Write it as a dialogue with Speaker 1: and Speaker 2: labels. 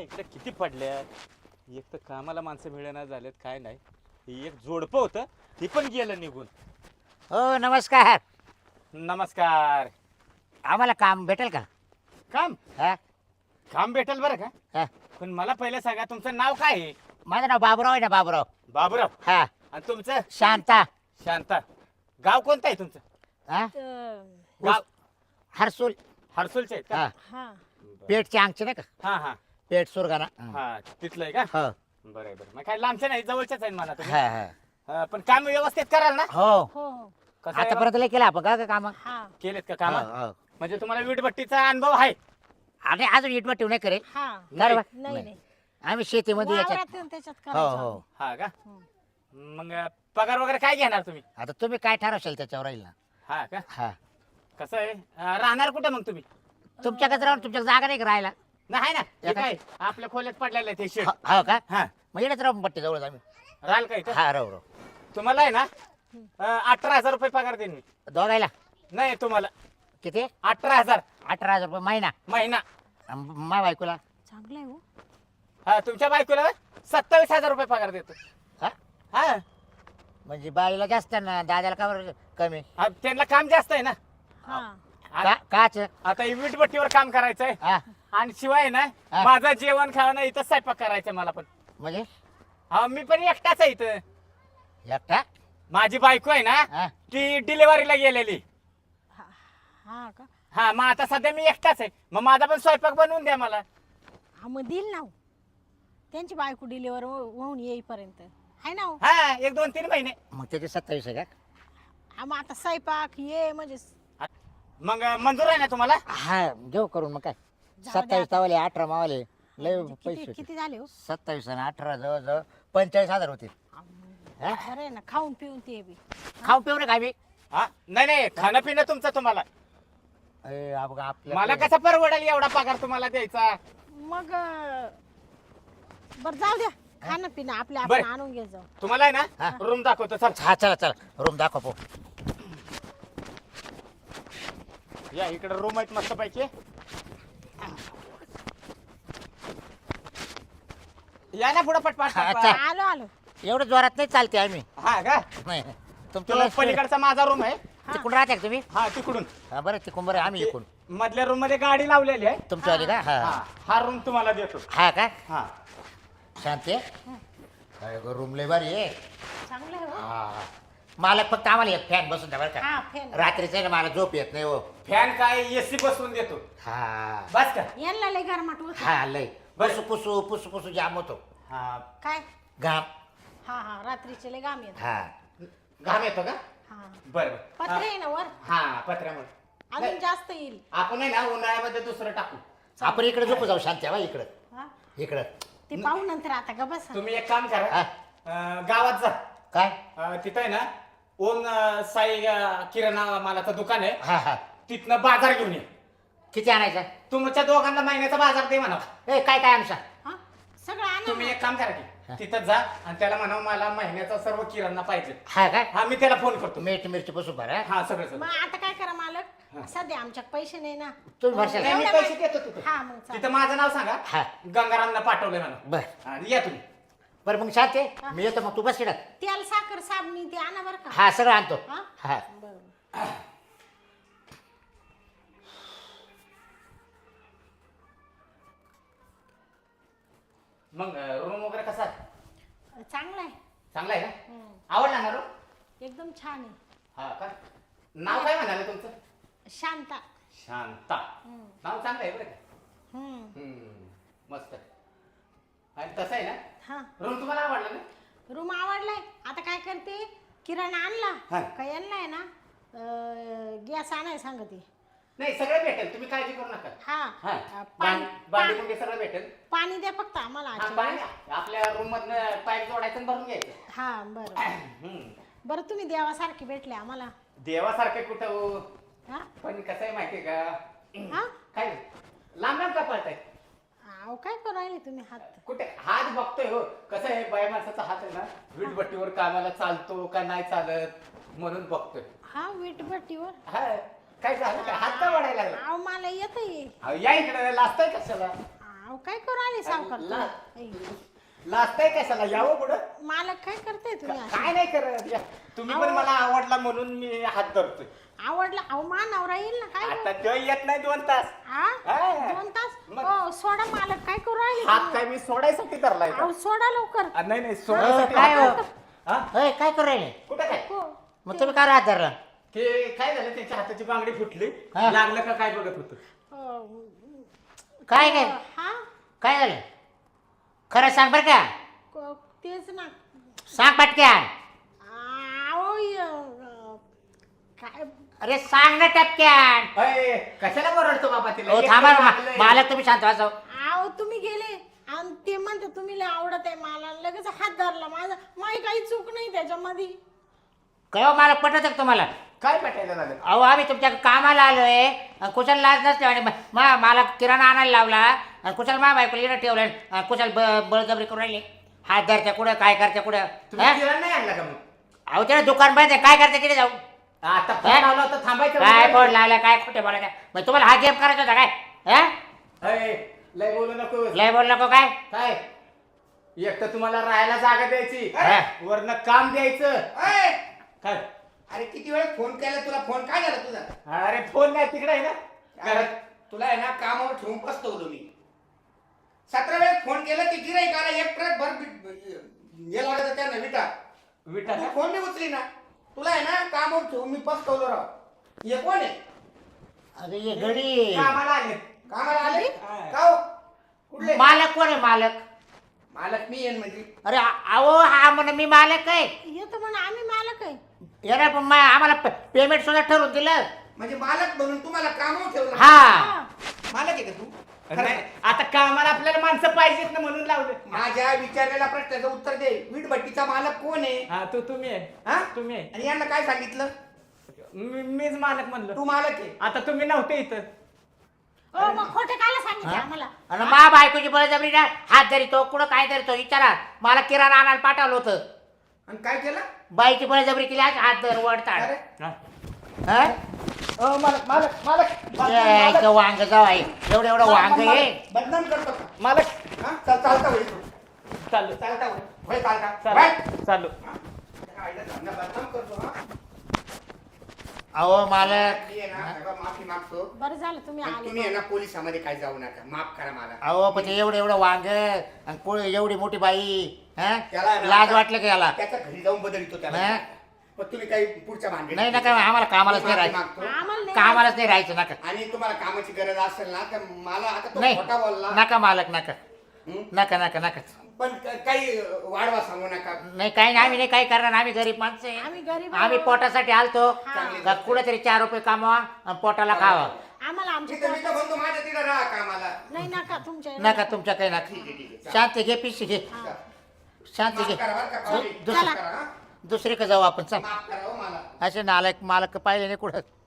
Speaker 1: इकडे किती पडल्या. एक तर कामाला माणसं मिळेना झालेत काय नाही. ही एक जोडपं होतं ती पण गेलं निघून.
Speaker 2: हो नमस्कार.
Speaker 1: नमस्कार.
Speaker 2: आम्हाला काम भेटेल का?
Speaker 1: काम
Speaker 2: हा
Speaker 1: काम भेटेल बरं का.
Speaker 2: हा.
Speaker 1: पण मला पहिले सांगा तुमचं नाव काय आहे?
Speaker 2: माझं नाव बाबूराव आहे ना बाबूराव.
Speaker 1: बाबूराव.
Speaker 2: हा
Speaker 1: आणि तुमचं?
Speaker 2: शांता.
Speaker 1: शांता. गाव कोणतं आहे तुमचं?
Speaker 2: हा
Speaker 1: गाव
Speaker 2: हरसूल.
Speaker 1: हर्सुलचे आहेत का?
Speaker 2: हा
Speaker 3: हा
Speaker 2: पेटचे अंगचे नाही का?
Speaker 1: हा हा
Speaker 2: पेट सुरगाणा.
Speaker 1: हा तिथलं आहे का?
Speaker 2: हो
Speaker 1: बरं आहे, बरं. मग काय लांबचे नाही जवळच्याच आहे मला तुम्ही.
Speaker 2: हा हा
Speaker 1: हा, पण काम व्यवस्थित कराल ना?
Speaker 2: हो
Speaker 3: हो हो
Speaker 1: कसं आहे
Speaker 2: आतापर्यंत लय केलं आपण का काम?
Speaker 3: हा
Speaker 1: केलेत का
Speaker 2: हो,
Speaker 1: काम?
Speaker 2: हो.
Speaker 1: म्हणजे तुम्हाला वीटभट्टीचा अनुभव आहे?
Speaker 2: आणि अजून इटवट नाही करे.
Speaker 3: हा
Speaker 2: बरोबर?
Speaker 3: नाही नाही
Speaker 2: आम्ही शेतीमध्ये याच्यात.
Speaker 3: वावरात येऊन त्याच्यात
Speaker 2: हो
Speaker 3: करायचं
Speaker 2: हो
Speaker 3: आम्ही.
Speaker 1: हा का?
Speaker 3: हम्म.
Speaker 1: मग पगार वगैरे काय घेणार तुम्ही?
Speaker 2: आता तुम्ही काय ठरवशाल त्याच्यावर राहील ना.
Speaker 1: हा का?
Speaker 2: हा
Speaker 1: कसं आहे राहणार कुठे मग तुम्ही?
Speaker 2: तुमच्याकडे राहून तुमच्या जागा नाही का राहायला?
Speaker 1: नाही ना हे
Speaker 2: एका-
Speaker 1: काय आपल्या खोल्यात पडलेलं आहे ते शेड.
Speaker 2: हो का?
Speaker 1: हा
Speaker 2: मग येणच राहून पट्टी जवळ आम्ही.
Speaker 1: राहाल का इथं?
Speaker 2: हा राहू राहू.
Speaker 1: तुम्हाला आहे ना 18,000 रुपये पगार देईन मी.
Speaker 2: दोघायला
Speaker 1: नाही तुम्हाला
Speaker 2: किती?
Speaker 1: 18,000
Speaker 2: 18,000 रुपये महिना.
Speaker 1: महिना.
Speaker 2: मा बायकोला?
Speaker 3: चांगलं आहे हो
Speaker 1: हा तुमच्या बायकोला 27,000 रुपये पगार देतो.
Speaker 2: हा
Speaker 1: हा
Speaker 2: म्हणजे बाईला जास्त ना दादाला का बरं कमी?
Speaker 1: हा, त्यांना काम जास्त आहे ना.
Speaker 3: हा
Speaker 2: का काच?
Speaker 1: आता ही वीटभट्टीवर काम करायचंय
Speaker 2: हा
Speaker 1: आणि शिवाय ना
Speaker 2: हा.
Speaker 1: माझं जेवण खाणं इथं स्वयंपाक करायचं मला पण.
Speaker 2: म्हणजे
Speaker 1: हा मी पण एकटाच आहे इथं.
Speaker 2: एकटा?
Speaker 1: माझी बायको आहे ना
Speaker 2: हा
Speaker 1: ती डिलिव्हरीला गेलेली.
Speaker 3: हा का
Speaker 1: हा मग आता सध्या मी एकटाच आहे. मग माझा पण स्वयंपाक बनवून द्या मला.
Speaker 3: हा मग देईल ना हो. त्यांची बायको डिलिव्हर होऊन येईपर्यंत आहे ना हो.
Speaker 1: हा 1-2-3 महिने.
Speaker 2: मग त्याचे 27 आहे का?
Speaker 3: हा, मग आता स्वयंपाक ये म्हणजे
Speaker 1: मग मंजूर आहे ना तुम्हाला?
Speaker 2: हा घेऊ करून मग काय.
Speaker 3: जाऊ द्या
Speaker 2: 27 तावाले 18 मावाले लय
Speaker 3: म्हणजे
Speaker 2: पैसे
Speaker 3: किती
Speaker 2: होते.
Speaker 3: किती झाले हो
Speaker 2: 27 आणि 18 जवळ जवळ 45,000 होते.
Speaker 3: हा, मग
Speaker 2: हा?
Speaker 3: बरं आहे ना खाऊन पिऊन ते बी
Speaker 2: खाऊ पिऊ नका आम्ही.
Speaker 1: हा नाही नाही खाणं पिणं तुमचं तुम्हाला.
Speaker 2: आपल्या
Speaker 1: मला कसा परवडेल एवढा पगार तुम्हाला द्यायचा?
Speaker 3: मग बरं जाऊ द्या खाणं पिणं आपल्या
Speaker 1: बरं.
Speaker 3: आपण आणून घे जाऊ
Speaker 1: तुम्हाला आहे
Speaker 2: हा.
Speaker 1: ना रूम दाखवतो चल.
Speaker 2: हा चला चला रूम दाखव पो.
Speaker 1: या इकडे रूम आहेत मस्त पैकी. या ना पुढे पटपाट
Speaker 2: हा,
Speaker 1: पटपाट.
Speaker 2: चल.
Speaker 3: आलो आलो
Speaker 2: एवढं जोरात नाही चालते आम्ही.
Speaker 1: हा का?
Speaker 2: नाही
Speaker 1: तो
Speaker 2: तुमच्या
Speaker 1: पलीकडचा माझा रूम आहे.
Speaker 2: तिकडून राहते का तुम्ही?
Speaker 1: हा तिकडून
Speaker 2: हा बरं तिकडून बरं आम्ही इकडून.
Speaker 1: मधल्या रूम मध्ये गाडी लावलेली आहे.
Speaker 2: तुमच्या आली का? हा
Speaker 1: हा हा रूम तुम्हाला देतो.
Speaker 2: हा का?
Speaker 1: हा
Speaker 2: शांती रूम लय भारी आहे.
Speaker 3: चांगलं आहे हो
Speaker 2: हा मालक फक्त आम्हाला एक फॅन बसून द्या बरं का.
Speaker 3: हा फॅन
Speaker 2: रात्रीचं आहे ना मला झोप येत नाही हो.
Speaker 1: फॅन काय एसी बसवून देतो.
Speaker 2: हा
Speaker 1: बस का?
Speaker 3: यांना लय गरमाट होत
Speaker 2: हा लय
Speaker 1: बरं.
Speaker 2: पुसू पुसू पुसू पुसू जाम होतो
Speaker 1: हा
Speaker 3: काय
Speaker 2: घाम.
Speaker 3: हा हा रात्रीचे लय गाम येत
Speaker 2: हा
Speaker 1: घाम येतो का?
Speaker 3: हा
Speaker 1: बर
Speaker 3: पत्रे आहे ना वर
Speaker 1: हा पत्र्यामुळे.
Speaker 3: अजून जास्त येईल
Speaker 1: आपण आहे ना उन्हाळ्यामध्ये दुसरं टाकू.
Speaker 2: आपण इकडे झोपू जाऊ शांती बा इकडं
Speaker 3: हा
Speaker 2: इकडं.
Speaker 3: ते पाहू नंतर आता ग बस
Speaker 1: तुम्ही एक काम करा
Speaker 2: हा.
Speaker 1: गावात जा.
Speaker 2: काय?
Speaker 1: तिथं आहे ना ओम साई किराणा मालाचं दुकान आहे.
Speaker 2: हा हा
Speaker 1: तिथनं बाजार घेऊन ये.
Speaker 2: किती आणायचं?
Speaker 1: तुमच्या दोघांना महिन्याचा बाजार दे म्हणा.
Speaker 2: ए काय काय आमचा?
Speaker 3: हा सगळं आणा
Speaker 1: तुम्ही
Speaker 3: ना.
Speaker 1: एक काम करा की तिथं जा आणि त्याला म्हणा मला महिन्याचा सर्व किराणा पाहिजे.
Speaker 2: हा काय?
Speaker 1: हा मी त्याला फोन करतो.
Speaker 2: मीठ मिरची बसून बरं.
Speaker 1: हा सगळं सगळं.
Speaker 3: मग आता काय करा मालक सध्या आमच्यात पैसे नाही ना
Speaker 2: तुम्ही भरशाल
Speaker 1: नाही, मी
Speaker 3: एवढ्या
Speaker 1: पैसे देतो तिथं.
Speaker 3: हा मग चालेल.
Speaker 1: तिथं माझं नाव सांगा.
Speaker 2: हा
Speaker 1: गंगारामनं पाठवलंय म्हणा.
Speaker 2: बर
Speaker 1: आणि या तुम्ही.
Speaker 2: बरं मग शांती मी येतो मग तू बस इकडं.
Speaker 3: तेल साखर साबणी ते आणा बरं का
Speaker 2: हा सगळं आणतो.
Speaker 3: हा
Speaker 2: हा
Speaker 3: बरं
Speaker 1: मग रूम वगैरे कसा आहे?
Speaker 3: चांगलं आहे
Speaker 1: चांगला आहे का?
Speaker 3: हम्म.
Speaker 1: आवडला ना रूम?
Speaker 3: एकदम छान आहे
Speaker 1: हा का? नाव काय म्हणाले तुमचं?
Speaker 3: शांता
Speaker 1: शांता.
Speaker 3: हम्म.
Speaker 1: नाव चांगलं आहे बरं का?
Speaker 3: हम्म.
Speaker 1: मस्त आहे. आणि तसं आहे ना
Speaker 3: हा
Speaker 1: रूम तुम्हाला आवडला ना?
Speaker 3: रूम आवडलाय आता काय करते किराणा आणला
Speaker 1: हा.
Speaker 3: का यांना आहे ना गॅस आणाय सांगते
Speaker 1: नाही सगळं भेटेल तुम्ही काळजी करू नका.
Speaker 3: हा
Speaker 1: हा
Speaker 3: पाणी
Speaker 1: भांडी कुंडी सगळं भेटेल.
Speaker 3: पाणी द्या फक्त आम्हाला
Speaker 1: हा,
Speaker 3: आजच्या
Speaker 1: पाणी
Speaker 3: वेळेस.
Speaker 1: आपल्या रूम मधनं पाईप जोडायचं आणि भरून घ्यायचं.
Speaker 3: हा बरं
Speaker 1: हम्म.
Speaker 3: बरं तुम्ही देवासारखे भेटले आम्हाला
Speaker 1: देवासारखे कुठं हो?
Speaker 3: हा
Speaker 1: पण कसं आहे माहितीये का?
Speaker 3: हा
Speaker 1: काय लांब लांब का पळताय?
Speaker 3: अहो काय करू राहिले तुम्ही हात
Speaker 1: कुठे हात बघतोय हो. कसं आहे बाय माणसाचा हात आहे ना वीटभट्टीवर कामाला चालतो का नाही चालत म्हणून बघतोय.
Speaker 3: हा वीटभट्टीवर
Speaker 1: हा काय झालं काय हात का वाढायला लागला?
Speaker 3: अहो मला येत
Speaker 1: अहो, या इकडे लाजताय कशाला?
Speaker 3: अहो अहो काय करू आले सावकार
Speaker 1: ला-
Speaker 3: तुम्ही?
Speaker 1: लाजताय कशाला यावं पुढं
Speaker 3: मालक काय करताय तुम्ही असं?
Speaker 1: काय नाही करत या. तुम्ही पण मला आवडला म्हणून मी हात धरतोय
Speaker 3: आवडला अहो मा नवरा येईल ना काय
Speaker 1: आता तो येत नाही 2 तास
Speaker 3: हा?
Speaker 1: हा.
Speaker 3: 2 तास
Speaker 1: मग?
Speaker 3: हो सोडा मालक काय करू राहिले
Speaker 1: हात
Speaker 3: तुम्ही?
Speaker 1: काय मी सोडायसाठी धरलाय का?
Speaker 3: अहो सोडा लवकर
Speaker 1: नाही सोडायसाठी
Speaker 2: काय
Speaker 1: हात
Speaker 2: हो?
Speaker 1: धरला. हा?
Speaker 2: होय काय करू राहिले
Speaker 1: कुठं काय
Speaker 3: हो.
Speaker 2: मग तुम्ही काय राहत धरला
Speaker 1: ते काय झालं त्याच्या हाताची बांगडी फुटली
Speaker 2: हा.
Speaker 1: लागलं का काय बघत होत
Speaker 2: काय काय
Speaker 3: हा
Speaker 2: काय झालं खरं सांग बरं का
Speaker 3: तेच ना
Speaker 2: सांग पटक्यान
Speaker 3: अहो काय
Speaker 2: अरे सांग ना टपक्यान
Speaker 1: कशाला ओरडतो बाबा तिला
Speaker 2: हो
Speaker 1: एक
Speaker 2: थांबा
Speaker 1: तर लागलंय.
Speaker 2: मालक तुम्ही शांत वाचव
Speaker 3: अहो तुम्ही गेले आणि ते म्हणते तुम्ही लय आवडत आहे मला लगेच हात धरला माझी काही चूक नाही त्याच्यामध्ये
Speaker 2: काय मालक पटत का तुम्हाला
Speaker 1: काय पटायला झालं
Speaker 2: अहो आम्ही तुमच्या कामाला आलोय आणि कुशाल लाज नसते आणि मला किराणा आणायला लावला आणि कुशाल मा बायकोला येणं ठेवलं आणि कुशाल बळजबरी करून राहिले हात धरत्या कुठं काय करत्या कुठं
Speaker 1: तुम्ही
Speaker 2: हा?
Speaker 1: किराणा नाही आणला का मग
Speaker 2: अहो त्याला दुकान बंद आहे काय करते किती जाऊ
Speaker 1: आता फोन लावला होता थांबायचं
Speaker 2: काय बोर्ड लावला काय खोटे बोलायचं मग तुम्हाला हा गेम करायचा होता काय हा
Speaker 1: लय बोलू नको
Speaker 2: लय बोल नको काय
Speaker 1: काय एक तर तुम्हाला राहायला जागा द्यायची
Speaker 2: हा.
Speaker 1: वरनं काम द्यायचं
Speaker 4: अय!
Speaker 1: काय
Speaker 4: अरे किती वेळ फोन केला तुला फोन काय झाला तुझा
Speaker 1: अरे फोन नाही तिकडे आहे ना
Speaker 4: अरे,
Speaker 1: घरात.
Speaker 4: तुला आहे ना कामावर ठेवून बसतो मी 17 वेळेस फोन केला की गिराईक आला एक ट्रक भर हे लागत त्यांना विटा
Speaker 1: विटा
Speaker 4: तू
Speaker 1: का?
Speaker 4: फोन नाही उचली ना तुला आहे ना कामावर ठेवून मी पसतवलो राव हे कोण आहे
Speaker 2: अरे ये घडी
Speaker 1: कामाला आले
Speaker 4: कामाला आले
Speaker 1: हा.
Speaker 4: का हो? कुठले
Speaker 2: मालक कोण आहे मालक
Speaker 4: मालक मी येईन म्हणजे
Speaker 2: अरे अहो हा म्हण मी मालक आहे
Speaker 3: येतो म्हणून आम्ही मालक आहे
Speaker 2: याला पण आम्हाला पेमेंट सुद्धा ठरवून दिलं
Speaker 4: म्हणजे मालक म्हणून तुम्हाला कामावर ठेवलं
Speaker 2: हा
Speaker 3: हा.
Speaker 4: मालक आहे का तू
Speaker 1: नाही, आता कामाला आपल्याला माणसं पाहिजेत ना म्हणून लावले
Speaker 4: माझ्या विचारलेल्या प्रश्नाचं उत्तर दे वीटभट्टीचा मालक कोण आहे
Speaker 1: हा तुम्ही आहे
Speaker 4: हा
Speaker 1: तुम्ही आहे
Speaker 4: आणि यांना काय सांगितलं
Speaker 1: मीच मालक म्हणलं
Speaker 4: तू मालक आहे
Speaker 1: आता तुम्ही नव्हते इथं
Speaker 3: हो मग खोटे काला सांगितले
Speaker 2: हा?
Speaker 3: आम्हाला
Speaker 2: आणि मा बायकोची बळजबरी ना हात धरितो कुठं काय धरितो विचारा मला किराणा आणायला पाठवलं होतं
Speaker 4: आणि काय केलं
Speaker 2: बाईची बळजबरी केली आज हात धर वडताड
Speaker 4: अरे
Speaker 1: हा.
Speaker 2: हा?
Speaker 1: मालक मालक मालक
Speaker 2: ए, इथं वांग जाऊ आहे एवढं एवढं वांग आहे
Speaker 4: बदनाम करतो का
Speaker 1: मालक
Speaker 4: हा? चालता होईल
Speaker 1: चालू
Speaker 4: चालता होय चालता
Speaker 1: चालू चालू
Speaker 4: बदनाम करतो हा
Speaker 2: अहो मालक
Speaker 4: मी आहे ना सगळं माफी मागतो
Speaker 3: बरं झालं तुम्ही
Speaker 4: आणि
Speaker 3: आले
Speaker 4: तुम्ही आहे ना पोलिसामध्ये काय जाऊ नका माफ करा मला
Speaker 2: अहो पण ते एवढं एवढं वांग आणि कोण एवढी मोठी बाई हा?
Speaker 4: त्याला आहे ना
Speaker 2: लाज
Speaker 4: आता-
Speaker 2: वाटलं का याला
Speaker 4: त्याच्या घरी जाऊन बदलितो त्याला
Speaker 2: हा?
Speaker 4: पण तुम्ही काही पुढच्या भानगडीत
Speaker 2: नाही नका आम्हाला कामालाच नाही
Speaker 4: माफी
Speaker 2: राहायचं
Speaker 4: मागतो.
Speaker 3: आम्हाला नाही
Speaker 2: कामालाच नाही राहायचं नका
Speaker 4: आणि तुम्हाला कामाची गरज असेल ना तर मला आता तो
Speaker 2: नाही
Speaker 4: खोटा बोलला
Speaker 2: नका मालक नका
Speaker 4: हं?
Speaker 2: नका नका नका
Speaker 4: पण काही वाढवा सांगू नका
Speaker 2: नाही काही नाही आम्ही नाही काही करणार आम्ही गरीब माणसं आहे.
Speaker 3: आम्ही गरीब
Speaker 2: आम्ही
Speaker 3: आहोत.
Speaker 2: पोटासाठी आलतो
Speaker 4: चांगली
Speaker 2: का कुठेतरी 4 रुपये कमावा आणि पोटाला खावा
Speaker 3: आम्हाला आमच्या
Speaker 4: मी तर म्हणतो माझ्या तिला राहा कामाला
Speaker 3: नाही नका तुमच्या
Speaker 2: नका तुमच्या काही नका
Speaker 4: ठीक आहे, ठीक आहे.
Speaker 2: शांती घे पिशी घे शांती
Speaker 4: माफ
Speaker 2: घे
Speaker 4: करा बरं का, पाहुणे.
Speaker 2: दुसरं-
Speaker 4: माफ करा, हा?
Speaker 2: दुसरीकडे जाऊ आपण चल
Speaker 4: माफ करा हो मला
Speaker 2: असे नालायक मालक पाहिले नाही कुठं